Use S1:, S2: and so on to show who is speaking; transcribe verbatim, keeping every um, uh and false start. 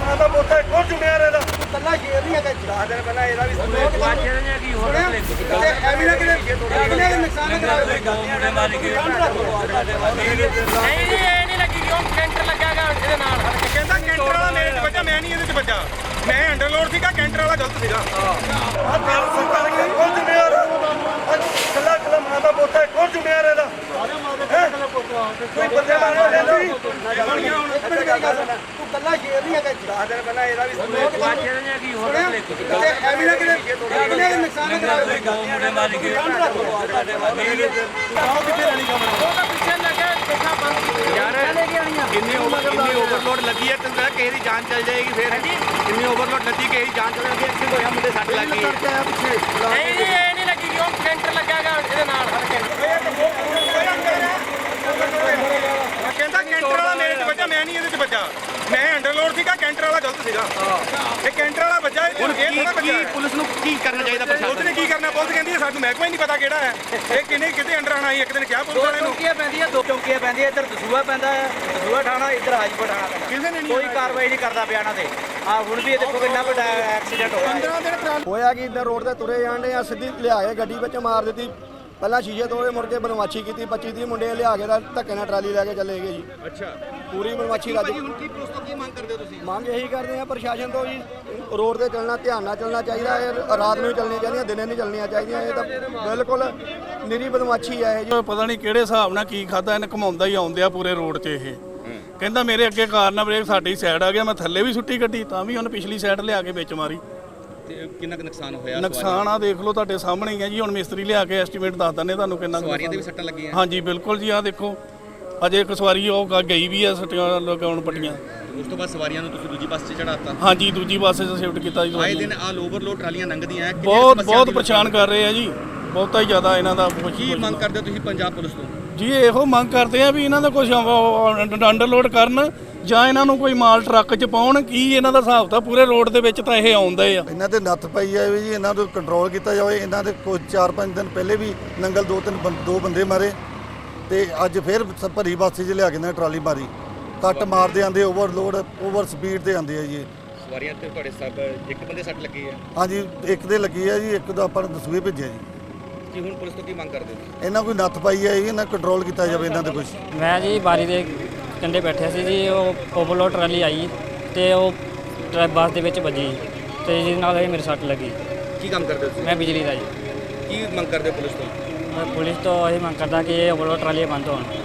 S1: ਮਾਂ ਦਾ ਪੁੱਤ ਹੈ ਕੌਣ ਜ਼ਿੰਮੇਵਾਰ ਇਹਦਾ
S2: ਕੱਲਾ ਸ਼ੇਰ ਨਹੀਂ ਹੈਗਾ
S1: ਦਸ ਦਿਨ ਪਹਿਲਾਂ ਇਹਦਾ ਵੀ
S3: ਵਾਜੇ ਨੇ ਕੀ ਹੋਰ
S2: ਐਵੇਂ ਨਾ ਕਿਤੇ ਕਿੰਨੇ ਨੁਕਸਾਨ ਕਰਾਵੇ
S3: ਮੁੰਡੇ ਮਾਰ ਕੇ ਨਹੀਂ ਜੀ ਇਹ ਨਹੀਂ ਲੱਗੀ ਕਿਉਂ ਕੈਂਟਰ ਲੱਗਾਗਾ ਇਹਦੇ ਨਾਲ
S4: ਕਹਿੰਦਾ ਕੈਂਟਰ ਵਾਲਾ ਮੇਰੇ 'ਚ ਵੱਜਾ, ਮੈਂ ਨਹੀਂ ਇਹਦੇ 'ਚ ਵੱਜਾ। ਮੈਂ ਅੰਡਰਲੋਡ ਸੀਗਾ, ਕੈਂਟਰ ਵਾਲਾ ਗਲਤ ਸੀਗਾ।
S1: ਆ ਤੇਲ ਸਰਕਾਰ ਦਾ ਕੌਣ ਜ਼ਿੰਮੇਵਾਰ ਕੱਲਾ ਕੱਲਾ ਮਾਂ ਦਾ ਪੁੱਤ ਹੈ ਕੌਣ ਜ਼ਿੰਮੇਵਾਰ ਇਹਦਾ ਕੋਈ ਬੰਦੇ ਮਾਰੇ ਲੈਂਦੀ
S2: ਤੂੰ ਕੱਲਾ ਸ਼ੇਰ ਨਹੀਂ ਹੈਗਾ
S1: ਦਸ ਦਿਨ ਪਹਿਲਾਂ ਇਹਦਾ ਵੀ
S3: ਵਾਜੇ ਨੇ ਕੀ ਹੋਰ
S2: ਐਵੇਂ ਨਾ ਕਿਤੇ ਕਿੰਨੇ ਨੁਕਸਾਨ ਕਰਾਵੇ
S3: ਮੁੰਡੇ ਮਾਰ ਕੇ ਉਹਦਾ ਪਿੱਛੇ ਲੱਗਾ ਦੇਖਾ ਬੰਦ ਕੀਤੀ ਯਾਰ
S4: ਇੰਨੀ ਓਵਰ ਇੰਨੀ ਓਵਰਲੋਡ ਲੱਗੀ ਹੈ ਤੇ ਕਿਸੇ ਦੀ ਜਾਨ ਚੱਲ ਜਾਏਗੀ ਫਿਰ। ਇੰਨੀ ਓਵਰਲੋਡ ਲੱਗੀ ਕਿਸੇ ਦੀ ਜਾਨ ਚੱਲ ਜਾਏਗੀ, ਐਕਸੀਡੈਂਟ ਹੋਇਆ, ਮੁੰਡੇ ਸੱਟ ਲੱਗ ਗਈ।
S3: ਨਹੀਂ ਜੀ ਇਹ ਨਹੀਂ ਲੱਗੀ ਕਿਉਂ ਕੈਂਟਰ ਲੱਗਾਗਾ ਇਹਦੇ ਨਾਲ
S4: ਕਹਿੰਦਾ ਕੈਂਟਰ ਵਾਲਾ ਮੇਰੇ 'ਚ ਵੱਜਾ, ਮੈਂ ਨਹੀਂ ਇਹਦੇ 'ਚ ਵੱਜਾ। ਮੈਂ ਅੰਡਰਲੋਡ ਸੀਗਾ, ਕੈਂਟਰ ਵਾਲਾ ਗਲਤ ਸੀਗਾ। ਇਹ ਕੈਂਟਰ ਵਾਲਾ ਵੱਜਾ, ਇਹ ਥੋੜਾ ਵੱਜਾ। ਪੁਲਿਸ ਨੂੰ ਕੀ ਕਰਨਾ ਚਾਹੀਦਾ? ਪੁਲਿਸ ਨੇ ਕੀ ਕਰਨਾ? ਪੁਲਿਸ ਕਹਿੰਦੀ ਹੈ ਸਾਨੂੰ ਮਹਿਕਮਾ ਹੀ ਨਹੀਂ ਪਤਾ ਕਿਹੜਾ ਹੈ ਇਹ, ਕਿੰਨੇ ਕਿਤੇ ਅੰਡਰ ਆਣਾ ਸੀ। ਇੱਕ ਦਿਨ ਕਿਹਾ ਪੁਲਿਸ ਵਾਲੇ ਨੂੰ
S5: ਚੌਂਕੀਆਂ ਪੈਂਦੀਆਂ, ਦੋ ਚੌਂਕੀਆਂ ਪੈਂਦੀਆਂ, ਇੱਧਰ ਦਸੂਆ ਪੈਂਦਾ ਹੈ, ਦਸੂਆ ਥਾਣਾ, ਇੱਧਰ ਹਾਜੀਪੁਰ ਥਾਣਾ ਪੈਂਦਾ।
S4: ਕਿਸੇ ਨੇ ਨਹੀਂ
S5: ਕੋਈ ਕਾਰਵਾਈ ਨਹੀਂ ਕਰਦਾ ਪਿਆ ਇਹਨਾਂ ਤੇ। ਆ ਹੁਣ ਵੀ ਇਹ ਦੇਖੋ ਕਿੰਨਾ ਵੱਡਾ ਐਕਸੀਡੈਂਟ ਹੋਇਆ।
S2: ਹੋਇਆ ਕਿ ਇੱਧਰ ਰੋਡ ਤੇ ਤੁਰੇ ਜਾਂਦੇ ਆ, ਸਿੱਧੀ ਲਿਆ ਕੇ ਗੱਡੀ ਵਿੱਚ ਮਾਰ ਦਿੱਤੀ। ਪਹਿਲਾਂ ਸ਼ੀਸ਼ੇ ਤੋੜੇ, ਮੁੜ ਕੇ ਬਦਮਾਸ਼ੀ ਕੀਤੀ। ਪੱਚੀ ਤੀਹ ਮੁੰਡੇ ਲਿਆ ਕੇ ਤਾਂ ਧੱਕੇ ਨਾਲ ਟਰਾਲੀ ਲੈ ਕੇ ਚਲੇ ਗਏ ਜੀ।
S4: ਅੱਛਾ,
S2: ਪੂਰੀ ਬਦਮਾਸ਼ੀ ਰੱਜ
S4: ਹੁਣ ਕੀ ਪੁਲਿਸ ਤੋਂ ਕੀ ਮੰਗ ਕਰਦੇ ਹੋ ਤੁਸੀਂ?
S2: ਮੰਗ ਇਹੀ ਕਰਦੇ ਆ ਪ੍ਰਸ਼ਾਸਨ ਤੋਂ ਜੀ, ਰੋਡ ਤੇ ਚੱਲਣਾ ਧਿਆਨ ਨਾਲ ਚੱਲਣਾ ਚਾਹੀਦਾ ਹੈ। ਰਾਤ ਨੂੰ ਹੀ ਚੱਲਣੀਆਂ ਚਾਹੀਦੀਆਂ, ਦਿਨੇ ਨਹੀਂ ਚੱਲਣੀਆਂ ਚਾਹੀਦੀਆਂ। ਇਹ ਤਾਂ ਬਿਲਕੁਲ ਨਿਰੀ ਬਦਮਾਸ਼ੀ ਹੈ ਇਹ ਜੀ।
S6: ਪਤਾ ਨਹੀਂ ਕਿਹੜੇ ਹਿਸਾਬ ਨਾਲ ਕੀ ਖਾਦਾ ਇਹਨੇ, ਘਮਾਉਂਦਾ ਹੀ ਆਉਂਦੇ ਆ ਪੂਰੇ ਰੋਡ 'ਚ। ਇਹ ਕਹਿੰਦਾ ਮੇਰੇ ਅੱਗੇ ਕਾਰ ਨਾਲ ਬ੍ਰੇਕ ਸਾਡੀ ਸਾਈਡ ਆ ਗਿਆ, ਮੈਂ ਥੱਲੇ ਵੀ ਸੁੱਟੀ ਗੱਡੀ, ਤਾਂ ਵੀ ਉਹਨੇ ਪਿਛਲੀ ਸਾਈਡ ਲਿਆ ਕੇ ਵਿੱਚ ਮਾਰੀ।
S4: ਤੇ ਕਿੰਨਾ ਕੁ ਨੁਕਸਾਨ ਹੋਇਆ?
S6: ਨੁਕਸਾਨ ਆ ਦੇਖ ਲਓ ਤੁਹਾਡੇ ਸਾਹਮਣੇ ਹੀ ਆ ਜੀ। ਹੁਣ ਮਿਸਤਰੀ ਲਿਆ ਕੇ ਐਸਟੀਮੇਟ ਦੱਸ ਦਿੰਦੇ ਤੁਹਾਨੂੰ ਕਿੰਨਾ
S4: ਸਵਾਰੀਆਂ ਦੇ ਵੀ ਸੱਟਾਂ ਲੱਗੀਆਂ?
S6: ਹਾਂਜੀ ਬਿਲਕੁਲ ਜੀ, ਆ ਦੇਖੋ ਅਜੇ ਇੱਕ ਸਵਾਰੀ ਉਹ ਗ- ਗਈ ਵੀ ਆ ਸੱਟੀਆਂ ਲਗਾਉਣ ਪੱਟੀਆਂ।
S4: ਉਸ ਤੋਂ ਬਾਅਦ ਸਵਾਰੀਆਂ ਨੂੰ ਤੁਸੀਂ ਦੂਜੀ ਬੱਸ 'ਚ ਚੜਾਤਾ?
S6: ਹਾਂਜੀ ਦੂਜੀ ਬੱਸ 'ਚ ਸ਼ਿਫਟ ਕੀਤਾ ਜੀ
S4: ਆਏ
S6: ਸਵਾਰੀਆਂ।
S4: ਦਿਨ ਆ ਓਵਰਲੋਡ ਟਰਾਲੀਆਂ ਲੰਘਦੀਆਂ, ਕਿੰਨੀਆਂ
S6: ਬਹੁਤ
S4: ਸਮੱਸਿਆ
S6: ਬਹੁਤ
S4: ਦੀ
S6: ਪਰੇਸ਼ਾਨ ਕਰ ਰਹੇ ਆ ਜੀ, ਬਹੁਤਾ ਹੀ ਜ਼ਿਆਦਾ ਇਹਨਾਂ ਦਾ ਕੁਛ-
S4: ਕੀ
S6: ਕੁਛ
S4: ਮੰਗ
S6: ਦਾ।
S4: ਕਰਦੇ ਹੋ ਤੁਸੀਂ ਪੰਜਾਬ ਪੁਲਿਸ ਤੋਂ?
S6: ਜੀ ਇਹੋ ਮੰਗ ਕਰਦੇ ਆ ਵੀ ਇਹਨਾਂ ਦਾ ਕੁਝ ਅੰਡਰਲੋਡ ਕਰਨ ਜਾਂ ਇਹਨਾਂ ਨੂੰ ਕੋਈ ਮਾਲ ਟਰੱਕ 'ਚ ਪਾਉਣ। ਕੀ ਇਹਨਾਂ ਦਾ ਹਿਸਾਬ ਤਾਂ ਪੂਰੇ ਰੋਡ ਦੇ ਵਿੱਚ ਤਾਂ ਇਹ ਆਉਂਦੇ ਆ।
S7: ਇਹਨਾਂ ਤੇ ਨੱਥ ਪਈ ਹੈ ਵੀ ਜੀ, ਇਹਨਾਂ ਨੂੰ ਕੰਟਰੋਲ ਕੀਤਾ ਜਾਵੇ। ਇਹਨਾਂ ਦੇ ਕੋਈ ਚਾਰ ਪੰਜ ਦਿਨ ਪਹਿਲੇ ਵੀ ਨੰਗਲ ਦੋ ਤਿੰਨ ਬੰ- ਦੋ ਬੰਦੇ ਮਾਰੇ, ਤੇ ਅੱਜ ਫਿਰ ਸ- ਭਰੀ ਬੱਸ 'ਚ ਲਿਆ ਕੇ ਨਾ ਟਰਾਲੀ ਮਾਰੀ। ਕੱਟ ਮਾਰਦੇ ਆਂਦੇ, ਓਵਰਲੋਡ ਓਵਰ ਸਪੀਡ ਤੇ ਆਂਦੇ ਆ ਜੀ ਇਹ।
S4: ਸਵਾਰੀਆਂ ਤੇ ਤੁਹਾਡੇ ਸਭ ਇੱਕ ਬੰਦੇ ਸੱਟ ਲੱਗੀ ਹੈ?
S7: ਹਾਂਜੀ ਇੱਕ ਦੇ ਲੱਗੀ ਹੈ ਜੀ, ਇੱਕ ਦਾ ਆਪਾਂ ਨੂੰ ਦਸੂਏ ਭੇਜਿਆ ਜੀ।
S4: ਕੀ ਹੁਣ ਪੁਲਿਸ ਤੋਂ ਕੀ ਮੰਗ ਕਰਦੇ ਹੋ?
S7: ਇਹਨਾਂ ਕੋਈ ਨੱਥ ਪਾਈ ਹੈ ਜੀ, ਇਹਨਾਂ ਕੰਟਰੋਲ ਕੀਤਾ ਜਾਵੇ ਇਹਨਾਂ ਤੇ ਕੁਝ।
S8: ਮੈਂ ਜੀ ਬਾਰੀ ਦੇ ਕੰਢੇ ਬੈਠਿਆ ਸੀ ਜੀ, ਉਹ ਓਵਰਲੋਡ ਟਰਾਲੀ ਆਈ ਤੇ ਉਹ ਟਰੈ ਬੱਸ ਦੇ ਵਿੱਚ ਵੱਜੀ ਤੇ ਜਿਹਦੇ ਨਾਲ ਇਹ ਮੇਰੇ ਸੱਟ ਲੱਗੀ।
S4: ਕੀ ਕੰਮ ਕਰਦੇ ਹੋ ਤੁਸੀਂ?
S8: ਮੈਂ ਬਿਜਲੀ ਦਾ ਜੀ।
S4: ਕੀ ਮੰਗ ਕਰਦੇ ਹੋ ਪੁਲਿਸ ਤੋਂ?
S8: ਮੈਂ ਪੁਲਿਸ ਤੋਂ ਇਹ ਮੰਗ ਕਰਦਾ ਕਿ ਇਹ ਓਵਰਲੋਡ ਟਰਾਲੀਆਂ ਬੰਦ ਹੋਣ।